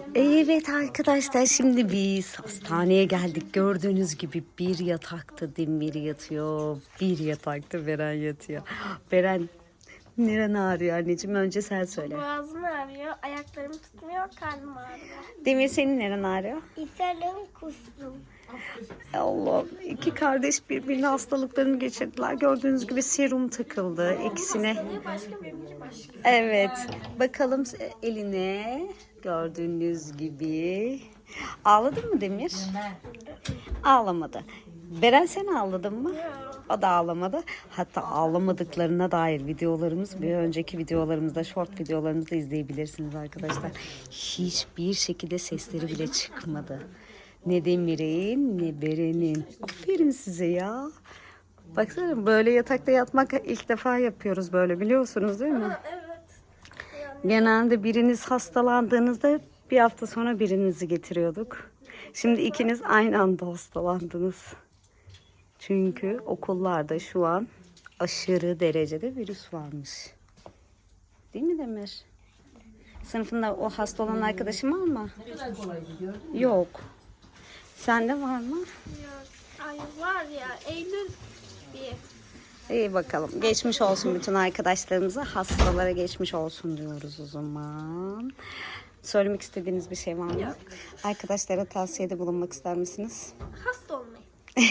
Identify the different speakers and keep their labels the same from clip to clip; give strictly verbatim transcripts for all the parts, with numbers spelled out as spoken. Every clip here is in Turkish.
Speaker 1: Evet arkadaşlar, şimdi biz hastaneye geldik. Gördüğünüz gibi bir yatakta Demir yatıyor. Bir yatakta Beren yatıyor. Beren, neren ağrıyor anneciğim? Önce sen söyle.
Speaker 2: Boğazım ağrıyor, ayaklarım tutmuyor, karnım ağrıyor.
Speaker 1: Demir, senin neren ağrıyor?
Speaker 2: İsterim, kustum.
Speaker 1: Allah, iki kardeş birbirine hastalıklarını geçirdiler. Gördüğünüz gibi serum takıldı ikisine.
Speaker 2: Hastalığı başka, benimki başka.
Speaker 1: Evet, bakalım eline. Gördüğünüz gibi. Ağladın mı Demir? Ağlamadı. Beren, sen ağladın mı? O da ağlamadı. Hatta ağlamadıklarına dair videolarımız, bir önceki videolarımızda, short videolarımızda izleyebilirsiniz arkadaşlar. Hiçbir şekilde sesleri bile çıkmadı. Ne Demir'in ne Beren'in. Aferin size ya. Baksana, böyle yatakta yatmak ilk defa yapıyoruz böyle, biliyorsunuz değil mi?
Speaker 2: Evet.
Speaker 1: Genelde biriniz hastalandığınızda bir hafta sonra birinizi getiriyorduk. Şimdi ikiniz aynı anda hastalandınız. Çünkü okullarda şu an aşırı derecede virüs varmış. Değil mi Demir? Sınıfında o hasta olan arkadaşın var mı? Yok. Sende var mı?
Speaker 2: Yok. Ay var ya, Eylül bir.
Speaker 1: İyi bakalım. Geçmiş olsun bütün arkadaşlarımıza. Hastalara geçmiş olsun diyoruz o zaman. Söylemek istediğiniz bir şey var mı?
Speaker 2: Yok.
Speaker 1: Arkadaşlara tavsiyede bulunmak ister misiniz?
Speaker 2: Hasta olmayın.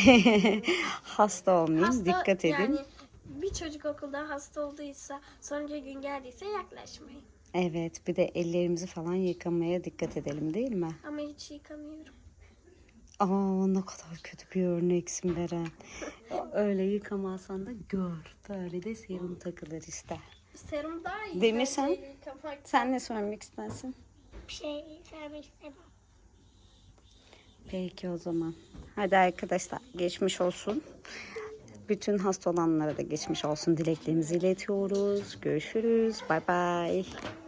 Speaker 1: Hasta olmayın.
Speaker 2: Hasta,
Speaker 1: Dikkat edin.
Speaker 2: Yani bir çocuk okulda hasta olduysa, sonraki gün geldiyse yaklaşmayın.
Speaker 1: Evet, bir de ellerimizi falan yıkamaya dikkat edelim, değil mi?
Speaker 2: Ama hiç yıkamıyorum.
Speaker 1: Aa, ne kadar kötü bir örneksin Beren. Öyle yıkamazsan da gör. Böyle de serum takılır işte.
Speaker 2: Serum daha iyi.
Speaker 1: Demir,
Speaker 2: bence
Speaker 1: sen?
Speaker 2: yıkamak.
Speaker 1: Sen ne söylemek istersin?
Speaker 2: Bir şey söylemek istemem.
Speaker 1: Peki o zaman. Hadi arkadaşlar, geçmiş olsun. Bütün hasta olanlara da geçmiş olsun dileklerimizi iletiyoruz. Görüşürüz. Bay bay.